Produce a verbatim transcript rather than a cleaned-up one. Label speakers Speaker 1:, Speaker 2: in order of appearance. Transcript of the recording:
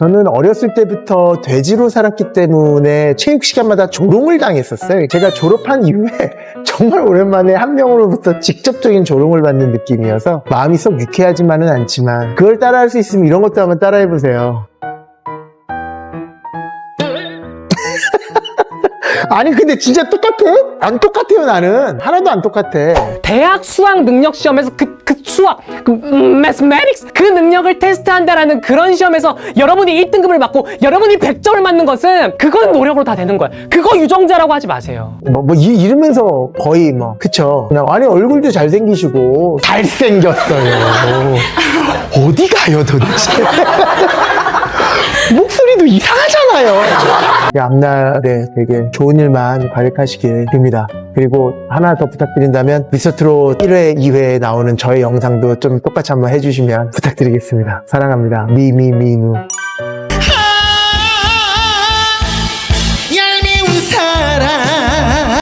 Speaker 1: 저는 어렸을 때부터 돼지로 살았기 때문에 체육 시간마다 조롱을 당했었어요. 제가 졸업한 이후에 정말 오랜만에 한 명으로부터 직접적인 조롱을 받는 느낌이어서 마음이 썩 유쾌하지만은 않지만 그걸 따라할 수 있으면 이런 것도 한번 따라해보세요. 아니 근데 진짜 똑같아? 안 똑같아요. 나는 하나도 안 똑같아.
Speaker 2: 대학 수학 능력 시험에서 그, 그 수학, 그 mathematics 그 능력을 테스트한다라는 그런 시험에서 여러분이 일 등급을 받고 여러분이 백 점을 맞는 것은 그건 노력으로 다 되는 거야. 그거 유정자라고 하지 마세요.
Speaker 1: 뭐, 뭐 이, 이러면서 거의 뭐 그쵸. 그냥 아니 얼굴도 잘생기시고 잘생겼어요. 어디 가요 도대체? 목소리도 이상하잖아요. 앞날에 되게 좋은 일만 가득하시길 빕니다. 그리고 하나 더 부탁드린다면 미스터트롯 일 회, 이 회에 나오는 저의 영상도 좀 똑같이 한번 해주시면 부탁드리겠습니다. 사랑합니다. 미미미누.